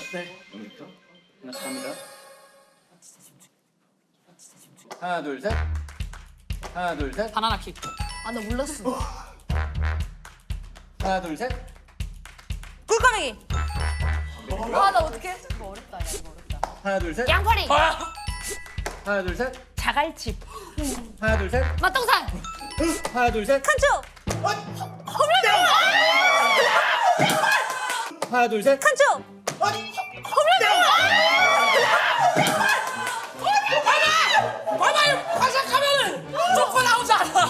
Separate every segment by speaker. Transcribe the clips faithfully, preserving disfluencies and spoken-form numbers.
Speaker 1: 네. 오늘부터 하나씩 합니다. 하나, 둘, 셋. 하나, 둘, 셋.
Speaker 2: 바나나 킥.
Speaker 3: 아, 나 몰랐어.
Speaker 1: 하나, 둘, 셋.
Speaker 2: 꿀까매기.
Speaker 3: 아, 나 어떡해? 이거 어렵다, 야, 이거 어렵다.
Speaker 1: 하나, 둘, 셋.
Speaker 2: 양파리.
Speaker 1: 하나, 둘, 셋.
Speaker 2: 자갈칩.
Speaker 1: 하나, 둘, 셋.
Speaker 3: 맛동산!
Speaker 1: 하나, 둘, 셋.
Speaker 2: 칸초.
Speaker 1: 하나, 둘, 셋.
Speaker 2: 칸초.
Speaker 4: 봐봐요! 화장하면은 조금 나오잖아!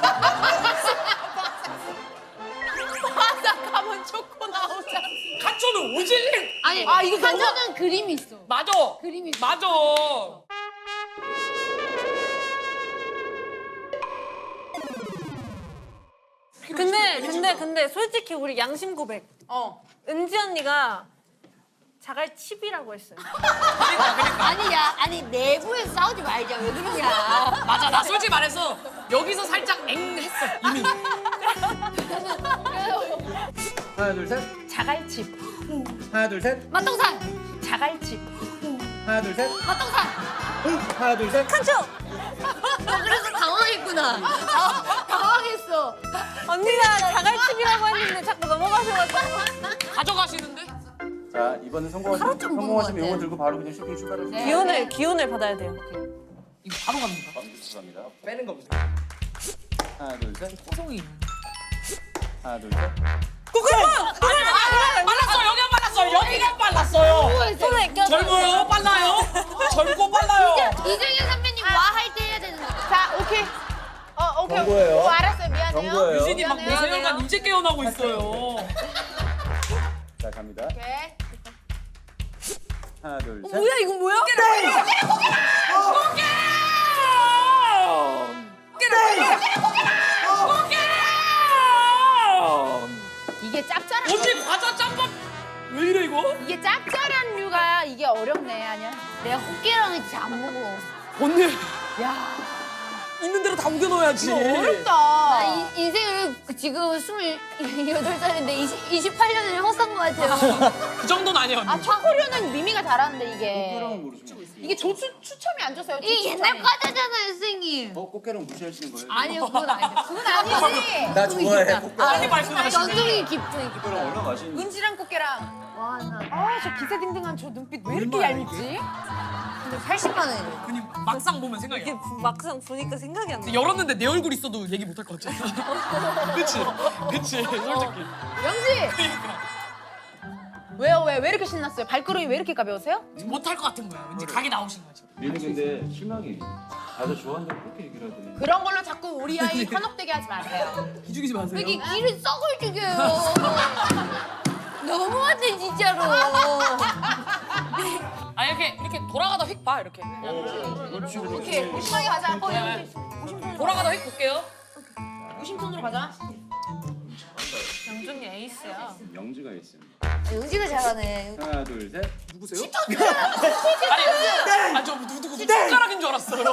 Speaker 3: 바삭하면 초코 나오잖아.
Speaker 4: 칸초는 오질링!
Speaker 3: 아니, 아, 이거 한전은 그림이 있어.
Speaker 4: 맞아!
Speaker 3: 그림이 있어.
Speaker 4: 맞아!
Speaker 2: 근데 근데 근데 솔직히 우리 양심 고백.
Speaker 3: 어.
Speaker 2: 은지 언니가 자갈칩이라고 했어요.
Speaker 3: 아니, 야, 아니, 내부에서 싸우지 말자. 왜 그러냐.
Speaker 4: 맞아, 나 솔직히 말해서 여기서 살짝 앵 했어, 이미.
Speaker 1: 하나, 둘, 셋.
Speaker 2: 자갈칩.
Speaker 1: 하나, 둘, 셋.
Speaker 3: 맛동산!
Speaker 2: 자갈칩.
Speaker 1: 하나, 둘, 셋.
Speaker 3: 맛동산!
Speaker 1: 하나, 둘, 셋.
Speaker 2: 칸초.
Speaker 3: 너 그래서 당황했구나. 아, 당황했어.
Speaker 2: 언니가 자갈칩이라고 했는데 자꾸 넘어가셔가지고.
Speaker 4: 가져가시는데?
Speaker 1: 자, 이번에 성공하시면,
Speaker 3: 하루 좀 본것
Speaker 1: 성공하시면
Speaker 3: 같아.
Speaker 1: 이거 들고 바로 그냥 쇼핑 출발하시면
Speaker 3: 네.
Speaker 2: 기운을 기운을 받아야 돼요.
Speaker 4: 이거 바로 갑니다.
Speaker 1: 갑니다.
Speaker 4: 빼는 거부터.
Speaker 1: 하나, 둘, 셋.
Speaker 4: 호송이.
Speaker 1: 하나, 둘, 셋.
Speaker 2: 꼬꼬마.
Speaker 4: 빨랐어! 여기가 빨랐어요! 여기가 빨랐어요!
Speaker 2: 손에 껴.
Speaker 4: 젊어요? 빨라요? 젊고 빨라요!
Speaker 3: 이정현 선배님 와 할 때 해야 되는 거. 자, 오케이. 어, 오케이.
Speaker 1: 경고예요.
Speaker 3: 어, 알았어요. 미안해요.
Speaker 1: 경고예요.
Speaker 4: 유진이 막
Speaker 3: 미안해요.
Speaker 4: 무쇠연간 이제 깨어나고 있어요.
Speaker 1: 자, 갑니다.
Speaker 3: 오케이.
Speaker 1: 하나, 둘, 셋.
Speaker 2: 뭐야 이거 뭐야?
Speaker 3: 이게 짭짤한
Speaker 4: 언니 과자 짬밥 왜 이래 이거?
Speaker 3: 이게 짭짤한 류가 이게 어렵네. 아니야. 내가 호깨랑은 진짜 안 먹어.
Speaker 4: 언니
Speaker 3: 야,
Speaker 4: 있는 대로 다 우겨 넣어야지.
Speaker 3: 이거 어렵다. 나 이, 인생을 지금 스물여덟 살인데 이십팔 년을 헛산 것 같아요.
Speaker 4: 그 정도는 아니야 언니.
Speaker 3: 아, 초코류는 미미가 잘하는데 이게.
Speaker 1: 꽃게랑은 모르시면
Speaker 3: 이게 조추 추첨이 안 줬어요.
Speaker 5: 이 옛날 과자잖아요, 선생님.
Speaker 1: 어, 꽃게랑 무시하시는 거예요?
Speaker 3: 아니요, 그건 아니죠. 그건 아니지.
Speaker 1: 나 좋아해, 꽃게.
Speaker 4: 빨리 말씀하시네.
Speaker 5: 전통이 깊은
Speaker 1: 꽃게랑 얼마나 맛있는지.
Speaker 3: 은지랑 꽃게랑.
Speaker 5: 와, 나
Speaker 3: 아, 저 기세등등한 저 눈빛 왜 이렇게 얄밉지?
Speaker 5: 팔십만 원이래요.
Speaker 4: 그냥 막상 보면 생각이
Speaker 2: 이게
Speaker 4: 나.
Speaker 2: 막상 보니까 생각이 안 나.
Speaker 4: 열었는데 내 얼굴 있어도 얘기 못 할 것 같아. 그치? 그치? 솔직히.
Speaker 3: 영지!
Speaker 4: 그러니까.
Speaker 3: 왜요, 왜? 왜 이렇게 신났어요? 발걸음이 왜 이렇게 가벼우세요?
Speaker 4: 못 할 것 같은 거야. 왠지 각이 나오신 거지.
Speaker 1: 얘는 근데 실망이. 다들 좋아한다고 그렇게 얘기를 하더니.
Speaker 3: 그런 걸로 자꾸 우리 아이 현혹되게 하지 마세요.
Speaker 4: 기죽이지 마세요.
Speaker 5: 이게 길을 썩을 죽여요. 너무한데, 진짜로.
Speaker 4: 아 이렇게 이렇게 돌아가다 휙 봐 이렇게.
Speaker 1: 그렇지,
Speaker 3: 오케이,
Speaker 1: 그렇지.
Speaker 3: 심하게 가자. 어,
Speaker 4: 네.
Speaker 3: 여기
Speaker 4: 돌아가다 휙 볼게요.
Speaker 3: 무심손으로 가자.
Speaker 2: 영준이 에이스야.
Speaker 1: 영지가 있습니다.
Speaker 5: 영지가 잘하네.
Speaker 1: 하나, 둘, 셋.
Speaker 4: 누구세요? 아니, 아저 누구 누구 손가락인 줄 알았어요.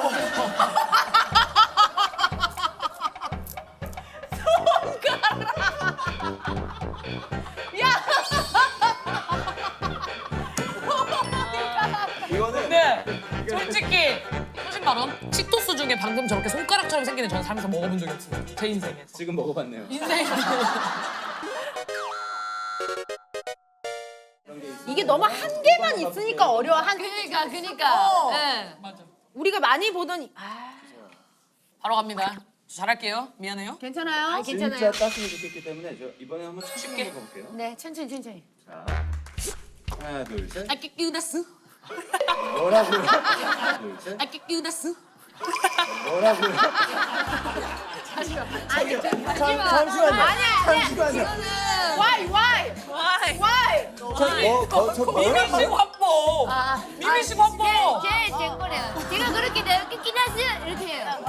Speaker 1: 이거는
Speaker 4: 네, 솔직히 소신 발언 치토스 중에 방금 저렇게 손가락처럼 생긴 애 저는 살면서 먹어본 적이 없어요. 제 인생에서.
Speaker 1: 지금 먹어봤네요.
Speaker 4: 인생에.
Speaker 3: 이게 너무 한 개만 있으니까 어려워. 한
Speaker 5: 그니까, 그니까.
Speaker 3: 어.
Speaker 5: 네.
Speaker 4: 맞아.
Speaker 3: 우리가 많이 보던 아,
Speaker 4: 바로 갑니다. 저 잘할게요. 미안해요.
Speaker 3: 괜찮아요?
Speaker 5: 아,
Speaker 1: 진짜
Speaker 5: 괜찮아요.
Speaker 1: 땄으면 좋겠기 때문에 저 이번에 한번 쉽게
Speaker 4: 쉽게.
Speaker 1: 해볼게요.
Speaker 3: 네, 천천히 천천히.
Speaker 1: 자, 하나, 둘, 셋.
Speaker 4: 아끼끼우다스.
Speaker 1: 뭐라고요? 하나, 둘, 셋.
Speaker 4: 아끼끼우다스.
Speaker 1: 뭐라고요?
Speaker 3: 아니, 저,
Speaker 1: 잠, 잠시만요.
Speaker 3: 아니야, 아니야.
Speaker 1: 잠시만요.
Speaker 3: Why, why,
Speaker 2: 와이.
Speaker 3: why?
Speaker 1: 저, 뭐, 거, 저
Speaker 4: 미미식
Speaker 1: 뭐라고요?
Speaker 4: 확보.
Speaker 5: 아,
Speaker 4: 미미식
Speaker 5: 아,
Speaker 4: 확보.
Speaker 5: 제, 제, 제 거래요. 제가 그렇게 내가 끼끼나스 이렇게 해요.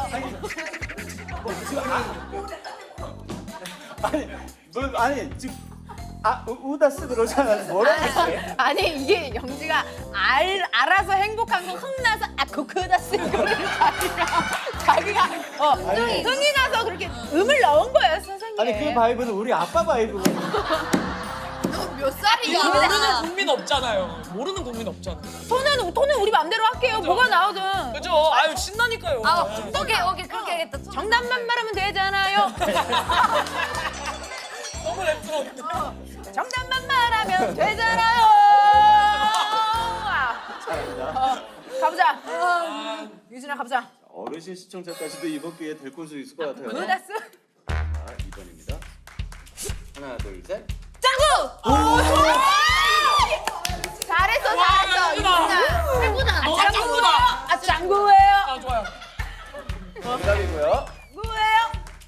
Speaker 1: 아니, 뭐, 아니, 지금, 아, 우- 우다스 그러잖아요. 뭐라고 했어요?
Speaker 3: 아니, 이게 영지가 알, 알아서 행복한 거 흥나서 아, 그거다 쓴 거를 자기가 자기가 어,
Speaker 1: 아니.
Speaker 3: 흥이 나서 그렇게 음을 넣은 거예요, 선생님.
Speaker 1: 아니, 그 바이브는 우리 아빠 바이브거든요.
Speaker 3: 몇 살이야?
Speaker 4: 모르는 국민 없잖아요. 모르는 국민 없잖아.
Speaker 3: 톤은 톤은 우리 맘대로 할게요. 뭐가 나오든.
Speaker 4: 그죠? 아유 신나니까요.
Speaker 5: 아, 오케이, 오케이, 그렇게 하겠다.
Speaker 3: 정답만 말하면 되잖아요.
Speaker 4: 너무 랩스러운데.
Speaker 3: 정답만 말하면 되잖아요.
Speaker 1: 잘합니다.
Speaker 3: 어, 가보자. 유진아 가보자.
Speaker 1: 어르신 시청자까지도 이번 기회에 데리고 올 수 있을 것 같아요.
Speaker 3: 루다스.
Speaker 1: 자, 이 번입니다. 하나, 둘, 셋.
Speaker 3: 짱구. 잘했어, 잘했어. 유진아.
Speaker 5: 해보자.
Speaker 4: 너 짱구다.
Speaker 3: 아 짱구예요.
Speaker 4: 아 좋아요.
Speaker 1: 정답이고요.
Speaker 3: 짱구예요.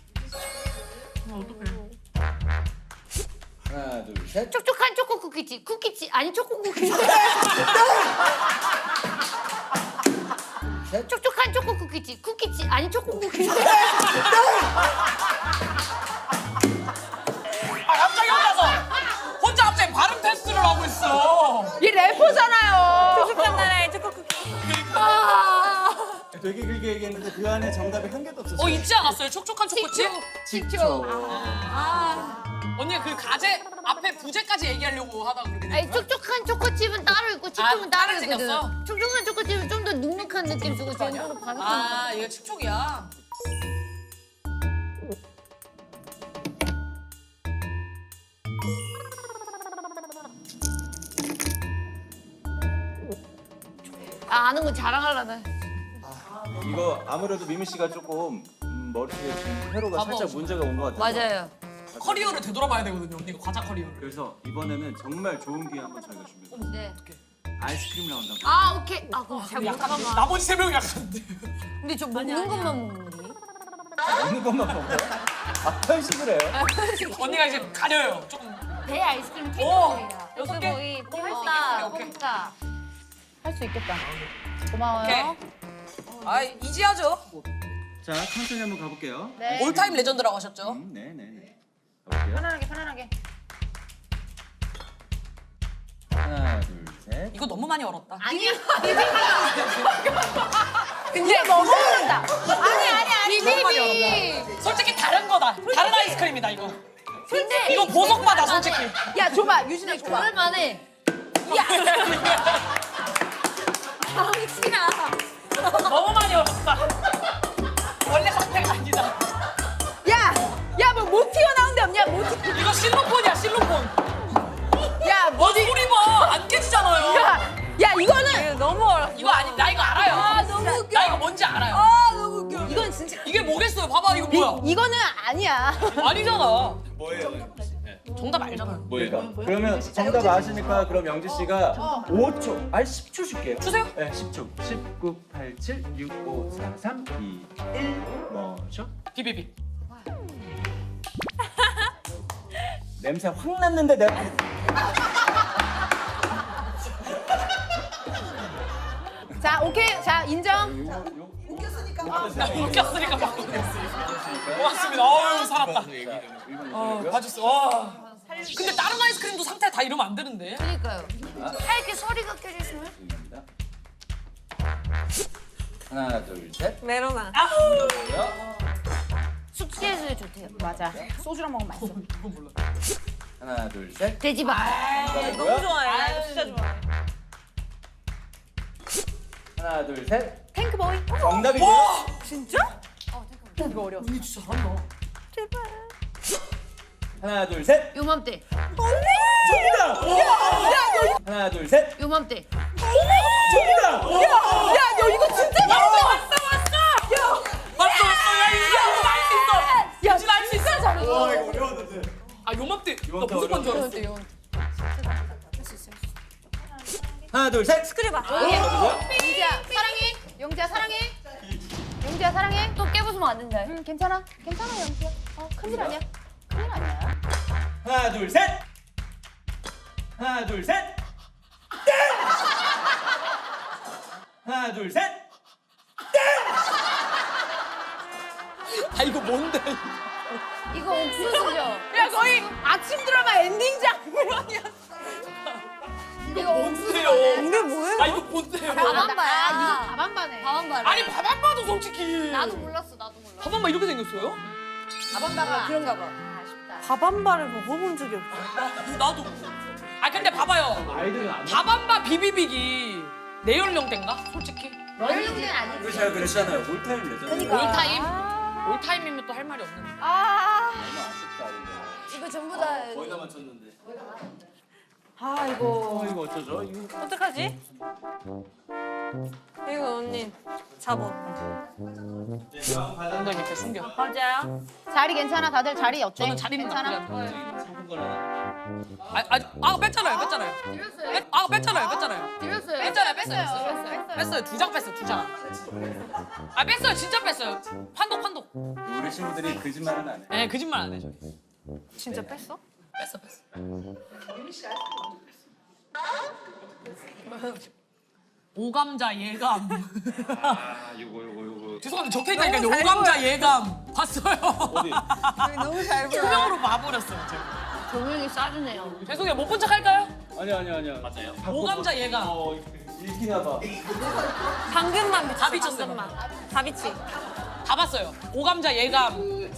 Speaker 1: 하나, 둘, 셋.
Speaker 5: 촉촉한 초코 쿠키지. 쿠키지 아니 초코 쿠키지.
Speaker 1: 셋.
Speaker 5: 촉촉한 초코 쿠키지. 쿠키지 아니 초코 쿠키지.
Speaker 4: 아 갑자기 혼자서 혼자 갑자기 발음 테스트를 하고 있어.
Speaker 3: 이 래퍼잖아요.
Speaker 2: 촉촉한 나라의 초코 쿠키.
Speaker 1: 되게 길게 얘기했는데 그 안에 정답이 한 개도 없었어요.
Speaker 4: 어 있지 않았어요? 촉촉한 초코칩?
Speaker 1: 식초.
Speaker 4: 언니가 그 가제 앞에 부제까지 얘기하려고 하다가 그렇게 된
Speaker 5: 아니
Speaker 4: 거야?
Speaker 5: 촉촉한 초코칩은 따로 있고 칩은
Speaker 4: 아,
Speaker 5: 따로
Speaker 4: 따로
Speaker 5: 있거든.
Speaker 4: 생겼어?
Speaker 5: 촉촉한 초코칩은 좀 더 눅눅한 느낌 주고 쟤는 좀더 바삭한
Speaker 4: 아 이거 촉촉이야.
Speaker 5: 아, 아는 거 자랑하려다.
Speaker 1: 이거 아무래도 미미 씨가 조금 음, 머리에 지금 회로가
Speaker 4: 봐봐.
Speaker 1: 살짝 문제가 온 것 같아요.
Speaker 5: 맞아요.
Speaker 4: 커리어를 되돌아봐야 되거든요. 언니가 과자 커리어를.
Speaker 1: 그래서 이번에는 정말 좋은 기회 한번 저희가 준비했어요.
Speaker 5: 네.
Speaker 1: 아이스크림 나온다고.
Speaker 5: 아, 오케이. 아, 그럼 잘
Speaker 4: 약간
Speaker 5: 못하나.
Speaker 4: 나머지 세 명이 약한데.
Speaker 5: 근데 저 먹는 것만 먹는데.
Speaker 1: 먹는 것만 먹어요? 아, 편식을 해요?
Speaker 4: 언니가 이제 가려요. 조금.
Speaker 5: 배 아이스크림
Speaker 4: 오,
Speaker 5: 탱크볼이야.
Speaker 4: 여섯 개?
Speaker 5: 거의
Speaker 4: 오케이,
Speaker 5: 뽕까,
Speaker 4: 오케이.
Speaker 5: 뽕까.
Speaker 3: 할 수 있겠다. 고마워요.
Speaker 4: 오케이. 아 이지하죠.
Speaker 1: 자, 천천히 한번 가볼게요.
Speaker 3: 네.
Speaker 4: 올타임 레전드라고 하셨죠.
Speaker 1: 음, 네, 네, 네. 가볼게요.
Speaker 3: 편안하게 편안하게.
Speaker 1: 하나, 둘, 셋.
Speaker 4: 이거 너무 많이 얼었다.
Speaker 5: 아니야.
Speaker 3: 근데 먹어본다.
Speaker 5: 아니, 아니, 아니.
Speaker 4: 너무 많이
Speaker 5: 비비.
Speaker 4: 솔직히 다른 거다. 다른 아이스크림이다 이거.
Speaker 5: 근데
Speaker 4: 이거 보석바다 솔직히.
Speaker 3: 야 줘봐 유진아 줘봐.
Speaker 5: 그럴만해. 당신아.
Speaker 4: 너무 많이 얼었다. 원래 상태가 아니다.
Speaker 3: 야야뭐 못 튀어나온 데 없냐? 못 튀.
Speaker 4: 이거 실로폰이야 실로폰.
Speaker 3: 야
Speaker 4: 뭐 소리 봐. 안 깨지잖아요.
Speaker 3: 야, 야 이거는
Speaker 2: 너무 어려.
Speaker 4: 이거 아니 나 이거 알아요.
Speaker 3: 아, 너무 웃겨.
Speaker 4: 나 이거 뭔지 알아요.
Speaker 3: 아 너무 웃겨. 이건 진짜
Speaker 4: 이게 뭐겠어요? 봐봐 이거 뭐야?
Speaker 3: 이, 이거는 아니야.
Speaker 4: 아니잖아.
Speaker 1: 뭐예요?
Speaker 4: 정답 알잖아요.
Speaker 1: 뭐예요? 그러면 정답 아시니까 그럼 영지 씨가 오 초, 아니 십 초 줄게요.
Speaker 4: 주세요.
Speaker 1: 네, 십 초. 십, 구, 팔, 칠, 육, 오, 사, 삼, 이, 일. 뭐죠?
Speaker 4: 비비비.
Speaker 1: 냄새 확 났는데 내가
Speaker 3: 자 오케이 자 인정.
Speaker 4: 웃겼으니까 바꾸겠어요. 고맙습니다. 어유 살았다. 어, 봐줬어. 와. 근데 다른 아이스크림도 상태 다 이러면 안 되는데.
Speaker 5: 그러니까요. 하얗게 소리가 껴졌으면.
Speaker 1: 하나, 둘, 셋.
Speaker 2: 메로나.
Speaker 5: 숙취해소에 좋대요.
Speaker 3: 맞아. 소주랑 먹으면 맛있어.
Speaker 4: 이건 몰라.
Speaker 1: 하나, 둘, 셋.
Speaker 5: 돼지밥.
Speaker 2: 너무 좋아해. 나 진짜 좋아해.
Speaker 1: 하나, 둘, 셋.
Speaker 3: 탱크보이.
Speaker 1: 정답이고요.
Speaker 4: 와!
Speaker 2: 진짜?
Speaker 3: 이거 어려워.
Speaker 4: 언니 진짜 잘한다.
Speaker 1: 하나, 둘, 셋.
Speaker 5: 요맘때.
Speaker 1: 정답! 하나, 둘, 셋.
Speaker 5: 요맘때.
Speaker 1: 정답!
Speaker 3: 야 너 이거 진짜
Speaker 4: 왔어
Speaker 3: 잘했어.
Speaker 4: 왔어 왔어. 왔어 왔어. 야 이거 알수 있어.
Speaker 3: 야
Speaker 4: 진짜 알수 있어.
Speaker 3: 잘했어.
Speaker 1: 와, 이거 어려웠는데.
Speaker 4: 아 요맘때 나
Speaker 1: 요맘때
Speaker 4: 무슨 건줄 알았어.
Speaker 1: 하나, 둘, 셋.
Speaker 2: 스크래봐.
Speaker 3: 용지야 사랑해. 용지야 사랑해. 용지야 사랑해.
Speaker 5: 또 깨부수면 안 된다.
Speaker 3: 응 괜찮아. 괜찮아 용지야. 어 큰일 아니야. 큰일 아니야.
Speaker 1: 하나, 둘, 셋. 하나, 둘, 셋. 땡! 하나, 둘, 셋.
Speaker 4: 아 이거 뭔데?
Speaker 5: 이거 옥수수죠?
Speaker 3: 야 거의 아침 드라마 엔딩 장면이야.
Speaker 5: 이거 옥수수.
Speaker 4: 뭔데요?
Speaker 2: 근데 뭐예요?
Speaker 4: 아 이거 뭔데요?
Speaker 5: 밥한바야.
Speaker 3: 이거 밥한바네.
Speaker 5: 밥한바.
Speaker 4: 아니 밥 안 봐도 솔직히.
Speaker 5: 나도 몰랐어. 나도 몰랐어.
Speaker 4: 밥 한 번 이렇게 생겼어요?
Speaker 3: 밥한바가
Speaker 5: 그런가 봐.
Speaker 3: 아쉽다.
Speaker 2: 밥한바를 먹어본 적이 없어.
Speaker 4: 아, 나도. 근데 봐봐요.
Speaker 1: 아이들은 안
Speaker 4: 다밤바 비비빅이 내 연령대인가? 솔직히.
Speaker 5: 연령대는 아니지.
Speaker 1: 우리 잘 그랬잖아요. 올타임 레전드.
Speaker 4: 올타임? 올타임이면 또 할 말이 없는데.
Speaker 3: 아,
Speaker 1: 얼마 아쉽다 근데.
Speaker 5: 이거 전부 다.
Speaker 1: 거의 다 맞췄는데.
Speaker 3: 아 이거.
Speaker 1: 어 이거 어쩌죠? 이거
Speaker 2: 어떡하지? 이거 언니 잡어.
Speaker 4: 엉덩이 밑에 숨겨.
Speaker 2: 맞아요.
Speaker 3: 자리 괜찮아? 다들 자리 어때?
Speaker 4: 저는 자리는
Speaker 3: 괜찮아?
Speaker 4: 나쁘지 않아요.
Speaker 1: 상품권 하나.
Speaker 4: 아, 아, 아 뺐잖아요, 뺐잖아요.
Speaker 5: 드렸어요.
Speaker 4: 뺐, 아 뺐잖아요, 뺐잖아요.
Speaker 5: 드렸어요.
Speaker 4: 뺐잖아요, 뺐어요, 뺐어요.
Speaker 3: 뺐어요.
Speaker 4: 뺐어요, 두 장 뺐어요, 두 장. 아 뺐어요, 진짜 뺐어요. 판독, 판독.
Speaker 1: 우리 친구들이 거짓말은 안 해.
Speaker 4: 에 거짓말 안 해.
Speaker 2: 진짜 뺐어?
Speaker 4: 뺐어, 뺐어. 오감자 예감.
Speaker 1: 아 요거 요거 요거.
Speaker 4: 죄송한데 적혀 있다니까요. 오감자 예감 봤어요.
Speaker 1: 어디?
Speaker 2: 너무 잘 보여.
Speaker 4: 투명으로 봐버렸어요. 제가.
Speaker 5: 조명이 싸주네요.
Speaker 4: 죄송해요, 못 본 척 할까요?
Speaker 1: 아니 아니 아니야. 맞아요.
Speaker 4: 오감자 예감.
Speaker 1: 어 읽기나 봐.
Speaker 2: 방금만 비쳤어.
Speaker 4: 다 비쳤어요.
Speaker 2: 방금만. 다 비치.
Speaker 4: 다 봤어요. 오감자 예감.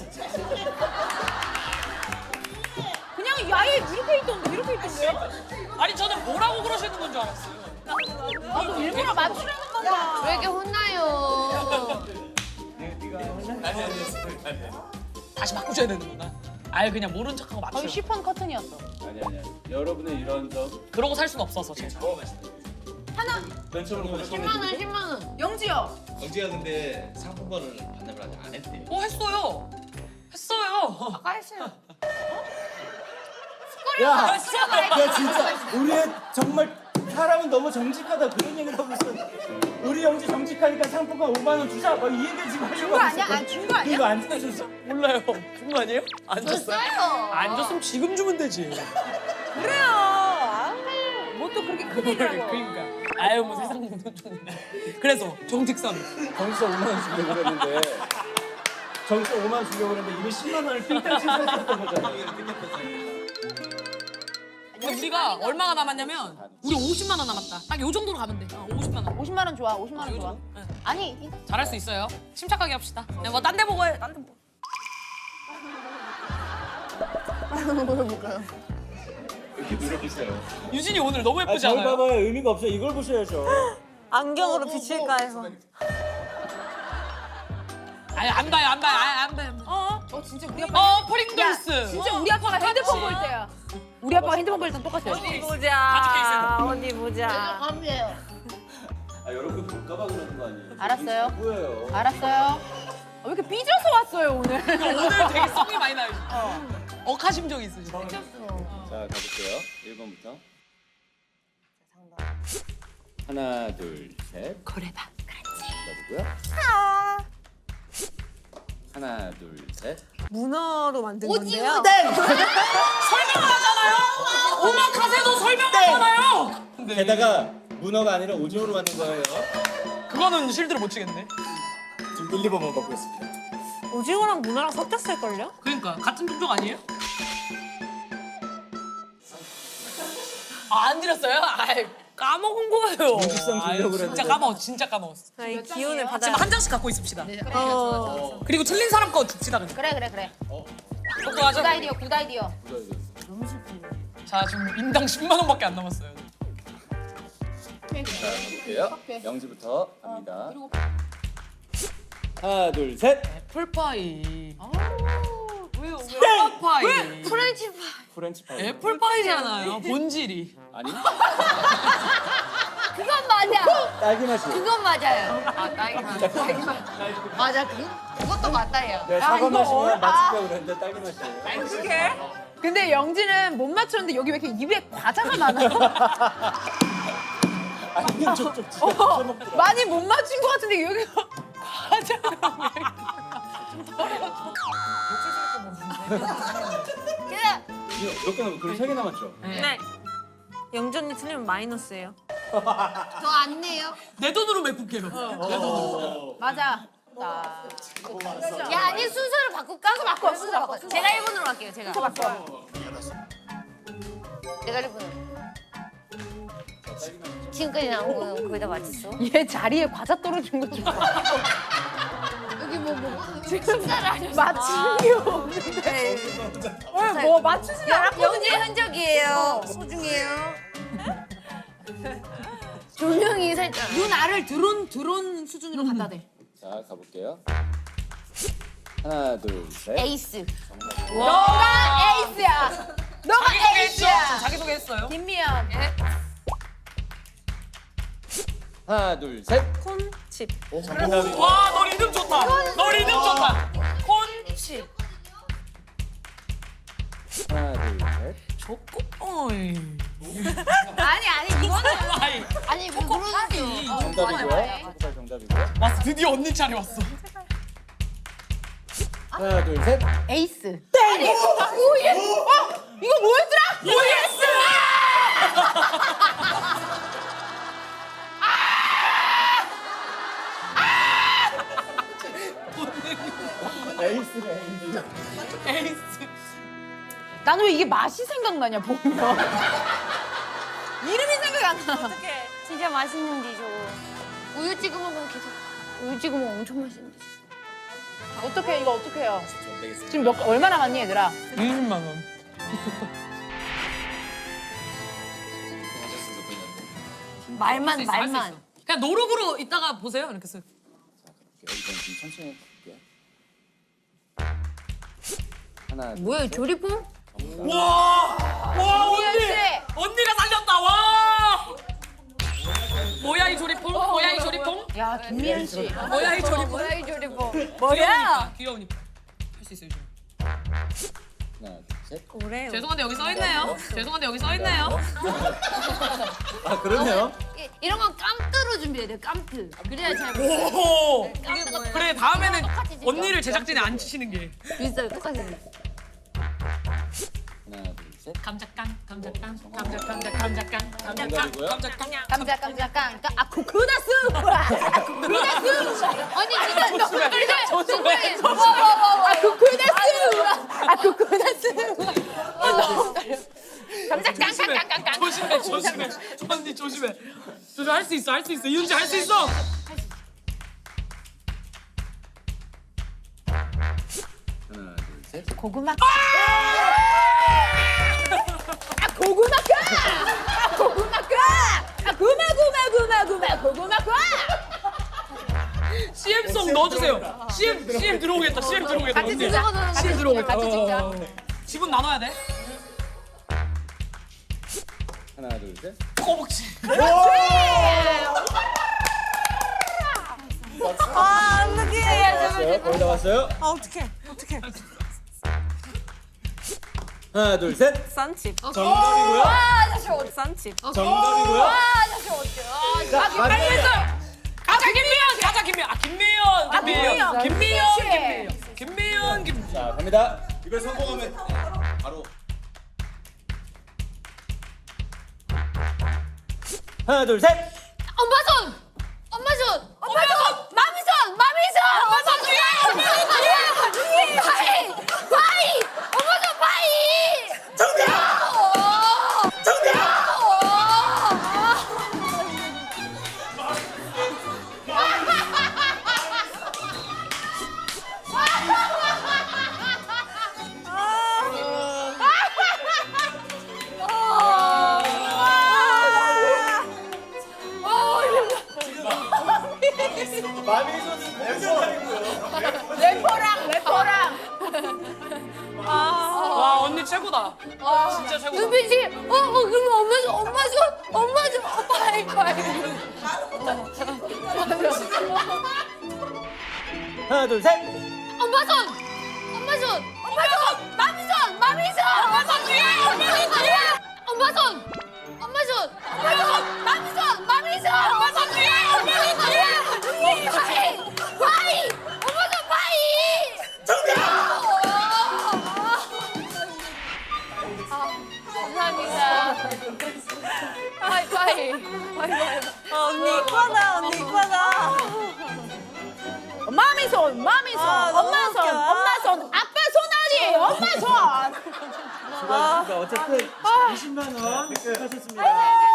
Speaker 3: 그냥 아예 이렇게 있던데 이렇게 있던데요?
Speaker 4: 아니 저는 뭐라고 그러시는 건 줄 알았어요.
Speaker 3: 나도 일부러 맞추려는 건가?
Speaker 5: 왜 이렇게 혼나요?
Speaker 1: 아니 아니
Speaker 4: 다시 바꾸셔야 되는구나. 아예 그냥 모른 척하고
Speaker 3: 거의
Speaker 4: 맞춰요.
Speaker 3: 시폰 커튼이었어.
Speaker 1: 아니 아니. 여러분의 이런 점.
Speaker 4: 그러고 살 수는 없어서 제가.
Speaker 3: 하나.
Speaker 1: 맨 처음으로
Speaker 5: 십만 원, 십만 원.
Speaker 3: 영지요.
Speaker 6: 영지가 근데 상품권을 반납을 아직 안 했대.
Speaker 4: 어 했어요. 했어요.
Speaker 5: 아까 했어요.
Speaker 1: 야, 야 진짜 우리의 정말 사람은 너무 정직하다 그런 얘기를 하고 있어. 우리 영지 정직하니까 상품권 오만 원 주자. 막 이 얘기 지금 하려고.
Speaker 3: 준거 아니야? 안 준 거 아니야?
Speaker 1: 이거 안 주셨어?
Speaker 4: 몰라요. 준 거 아니에요? 안 줬어요?
Speaker 5: 줬어요.
Speaker 4: 안 줬으면 지금 주면 되지.
Speaker 3: 그래요. 아우, 뭐또 그렇게 큰 얘기를 하고.
Speaker 4: 그러니까. 아유 뭐 세상 모든 좀. 그래서 정직선.
Speaker 1: 정서 오만 원 주려고 그랬는데 정서 오만 원 주려고 그랬는데 이미 십만 원을 삥땅 치셨던 거잖아.
Speaker 4: 근데 우리가 얼마가 남았냐면 우리 오십만 원 남았다. 딱 요 정도로 가면 돼. 어, 오십만 원.
Speaker 3: 오십만 원 좋아. 오십만 원
Speaker 4: 요
Speaker 3: 좋아.
Speaker 4: 정도. 네.
Speaker 3: 아니 이-
Speaker 4: 잘할 수 있어요. 침착하게 합시다. 네, 뭐 딴 데 보고 해. 딴 데 보고.
Speaker 1: 이렇게 노려보세요.
Speaker 4: 유진이 오늘 너무
Speaker 1: 아,
Speaker 4: 예쁘지
Speaker 1: 저를
Speaker 4: 않아요?
Speaker 1: 봐봐요. 의미가 없어요. 이걸 보셔야죠.
Speaker 2: 안경으로 비칠까 해서.
Speaker 4: 아니 안 봐요, 안 봐요, 아니, 안 봐요.
Speaker 3: 어? 어 진짜 우리 아빠.
Speaker 4: 어, 프링글스.
Speaker 3: 진짜 우리 아빠가 핸드폰 볼 때야. 우리 아빠가 핸드폰 볼 때랑 똑같아요.
Speaker 2: 어디
Speaker 4: 가죽
Speaker 2: 보자. 어디 보자.
Speaker 5: 감이에요.
Speaker 1: 아 여러분 볼까봐 그러는 거 아니에요?
Speaker 3: 알았어요.
Speaker 1: 뭐예요?
Speaker 3: 알았어요. 아, 왜 이렇게 삐져서 왔어요 오늘?
Speaker 4: 오늘 되게 성이 많이 나요. 억하심정이 있으시죠?
Speaker 1: 자 가볼게요. 일 번부터. 하나 둘 셋.
Speaker 3: 그래봐.
Speaker 1: 가보고요. 하나 둘 셋.
Speaker 2: 문어로 만든 건데요.
Speaker 4: 설명을 하잖아요. 오마카세도 설명하잖아요.
Speaker 1: 게다가 문어가 아니라 오징어로 만든 거예요.
Speaker 4: 그거는 실드를 못 치겠네.
Speaker 1: 지금 일, 이 번만 받고 있습니다.
Speaker 2: 오징어랑 문어랑 섞였을걸요?
Speaker 4: 그러니까 같은 품종 아니에요? 아, 안 드렸어요? 아이, 까먹은 거예요.
Speaker 1: 정직성 주려고
Speaker 4: 아유, 진짜
Speaker 1: 그랬는데.
Speaker 4: 까먹었어, 진짜 까먹었어.
Speaker 2: 자, 이 기운을 받아.
Speaker 4: 지금 한 장씩 갖고 있읍시다.
Speaker 2: 어.
Speaker 4: 그리고 틀린 사람 거 줍시다. 그냥.
Speaker 3: 그래 그래 그래.
Speaker 4: 똑똑하죠?
Speaker 3: 굿 아이디어 굿 아이디어.
Speaker 4: 자, 지금 인당 십만 원밖에 안 남았어요.
Speaker 1: 볼게요. 영지부터 갑니다. 하나 둘 셋.
Speaker 4: 애플파이. 왜요? 왜? 애플파이.
Speaker 5: 프렌치 파이.
Speaker 1: 프렌치 파이.
Speaker 4: 애플파이잖아요. 본질이.
Speaker 1: 아니?
Speaker 5: 그건 맞아.
Speaker 1: 딸기 맛이.
Speaker 5: 그건 맞아요. 아, 딸기 맛. 맞아, 그, 그것도 맞다요.
Speaker 1: 내가 사과 맛이면 맞추려고 그랬는데 딸기 맛이에요.
Speaker 3: 어떡해? 근데 영지는 못 맞췄는데 여기 왜 이렇게 입에 과자가 많아요?
Speaker 1: 아니 쪽쪽 진짜
Speaker 3: 어,
Speaker 1: 먹더라.
Speaker 3: 많이 못 맞춘 것 같은데 여기 과자가 왜
Speaker 5: 그래.
Speaker 1: 몇 개 남았? 그럼 세 개 남았죠?
Speaker 2: 네. 영지 언니 틀리면 마이너스예요.
Speaker 5: 더 안 내요?
Speaker 4: 내 돈으로 메꿀게요. 내 돈으로.
Speaker 3: 맞아. 나.
Speaker 5: 야, 아니, 순서를 바꿀까? 순서 바꿔, 순서 바꿔. 제가 일 번으로 갈게요, 제가.
Speaker 3: 바꿔.
Speaker 5: 내가 일 번으로. 지금까지 나온 거는 거의 다 맞췄어.
Speaker 3: 얘 자리에 과자 떨어진 거 좀 봐.
Speaker 5: 여기 뭐, 뭐.
Speaker 3: 지금 맞춤이 없는데. 뭐 맞추시면
Speaker 5: 영재의 흔적이에요. 소중해요. 조명이 살짝.
Speaker 3: 눈 알을 드론 드론 수준으로 갖다 대.
Speaker 1: 자 가볼게요. 하나 둘 셋.
Speaker 5: 에이스.
Speaker 3: 너가 에이스야. 너가
Speaker 4: 자기소개했죠?
Speaker 3: 에이스야.
Speaker 4: 자기소개했어요.
Speaker 3: 김미연.
Speaker 1: 하나 둘 셋.
Speaker 2: 콘칩.
Speaker 1: 오 정답이.
Speaker 4: 와, 너 리듬 좋다. 너 리듬 좋다. 콘칩.
Speaker 1: 하나 둘 셋.
Speaker 4: 좋고, 어이.
Speaker 3: 아니 아니 이거는
Speaker 4: 아이.
Speaker 5: 아니 왜 그러는데요?
Speaker 1: 정답이고요. 초코파이 정답이고요.
Speaker 4: 왔어, 드디어 언니 차례 왔어.
Speaker 1: 하나 둘 셋.
Speaker 5: 에이스.
Speaker 3: 오예. 어 이거 뭐였더라?
Speaker 4: 오예스!
Speaker 1: 에이스네 에이스.
Speaker 4: 에이스.
Speaker 3: 나는 왜 이게 맛이 생각나냐 보면. 이름이 생각이 안 나.
Speaker 2: 어떡해. 진짜 맛있는데 저거.
Speaker 5: 우유 찍어 먹으면 계속. 우유 찍어 먹으면 엄청 맛있는데.
Speaker 3: 어떻게 이거 어떻게 해요?
Speaker 6: 좀 되겠습니다.
Speaker 3: 지금 몇 얼마 남았니 얘들아?
Speaker 4: 이십만 원.
Speaker 6: 하셨으면 좋겠는데.
Speaker 5: 말만
Speaker 4: 할수 있어, 할수
Speaker 5: 말만.
Speaker 4: 있어. 그냥 노력으로 이따가 보세요. 이렇게 써.
Speaker 1: 이건 좀 천천히 해볼게요. 하나 둘
Speaker 5: 뭐야
Speaker 1: 셋.
Speaker 5: 조리폼?
Speaker 4: 와, 와 언니,
Speaker 3: 미연 씨.
Speaker 4: 언니가 살렸다. 와. 뭐야 이 조리퐁? 뭐야 이 조리퐁?
Speaker 3: 야 김미연 씨.
Speaker 4: 뭐야 이 조리퐁?
Speaker 5: 뭐야 이 조리폼?
Speaker 4: 뭐야? 귀여우니까. 할 수 있어요. 지금.
Speaker 1: 하나 둘 셋.
Speaker 2: 오래.
Speaker 4: 죄송한데 여기 써 있네요. 죄송한데 여기 써 있네요.
Speaker 1: 아 그러네요.
Speaker 5: 이- 이런 건 깜뜨로 준비해야 돼. 깜뜨. 그래야 잘 먹어.
Speaker 4: 오.
Speaker 5: 깜뜨가
Speaker 4: 그래 다음에는
Speaker 5: 똑같이 생겨.
Speaker 4: 언니를 제작진에 안 치시는 게.
Speaker 5: 비슷하게 똑같이 생겼어.
Speaker 1: 하나 둘 셋.
Speaker 4: 감자깡, 감자깡, 감자, 감자, 감자깡, 감자깡,
Speaker 1: 정답이고요.
Speaker 4: 감자깡.
Speaker 3: 깜짝 깜짝 깜짝. 아 코코다스. 아 코코다스.
Speaker 5: 아니 진짜 너 근데
Speaker 4: 조심해.
Speaker 3: 아 코코다스. 아 코코다스. 깜짝
Speaker 4: 조심해,
Speaker 3: 깜짝
Speaker 4: 조심해, 조심해. 언니 조심해. 조심 할 수 있어, 할 수 있어. 이윤지 할 수 있어.
Speaker 1: 하나 둘 셋.
Speaker 3: 고구마. 아 고구마 까. 아 고구마 까. 아 구마 구마 구마 구마 고구마 까.
Speaker 4: 씨엠송 넣어주세요. 씨엠, 씨엠 들어오겠다. 씨엠 들어오겠다.
Speaker 3: 같이
Speaker 4: 언니.
Speaker 3: 찍자. 같이 들어오겠다. 같이 찍자.
Speaker 4: 어. 지분 나눠야 돼.
Speaker 1: 하나 둘 셋.
Speaker 4: 꼬북치.
Speaker 2: 아, 어떡해.
Speaker 1: 왔어요. 거의 다 왔어요.
Speaker 2: 아, 어떡해. 어떡해.
Speaker 1: 하나 둘 셋.
Speaker 2: 싼칩.
Speaker 1: 정답이고요.
Speaker 3: 아저씨 어디?
Speaker 2: 싼칩.
Speaker 1: 정답이고요.
Speaker 3: 아저씨 어디? 아
Speaker 1: 자,
Speaker 3: 빨리 했어.
Speaker 4: 가자 김미연, 가자 김미연. 아 김미연, 김미연,
Speaker 3: 김미연.
Speaker 4: 김미연,
Speaker 3: 그렇지.
Speaker 4: 김미연, 김미연, 김.
Speaker 1: 자 갑니다.
Speaker 6: 이걸 성공하면 네, 바로
Speaker 1: 하나 둘 셋.
Speaker 5: 엄마 손. 엄마 손. 엄마 손. 마미 손. 마미 손. 엄마 손 뒤에. 엄마 손 뒤에. 파이. 파이. 엄마 손 파이. 정답. 정답.
Speaker 1: 마미소는 멤버이고요.
Speaker 3: 래퍼랑 래퍼랑.
Speaker 4: 와 언니 최고다. 진짜 최고다.
Speaker 5: 눈빛이 어, 어 그럼 엄마 손 엄마 손 엄마 손 어, 파이 파이.
Speaker 1: 하나 둘 셋.
Speaker 5: 엄마 손. 엄마 손. 엄마 손. 마미 손. 마미 손. 엄마 손 뒤에. 엄마 손 뒤에. 엄마 손. 엄마 손. 엄마 손. 마미 손. 마미 손. 엄마 손 뒤에. 엄마 손 뒤에. 파이. 파이. 엄마 손 파이. 정답. 감사합니다. 파이 파이. 파이 파이.
Speaker 2: 아, 언니 이과다, 언니 이과다.
Speaker 3: 마미 손, 마미 손,
Speaker 2: 아, 너무
Speaker 3: 엄마 손,
Speaker 2: 웃겨.
Speaker 3: 엄마 손, 아빠 손 아니, 엄마 손.
Speaker 1: 수고하셨습니다. 어쨌든 이십만 원 획득하셨습니다.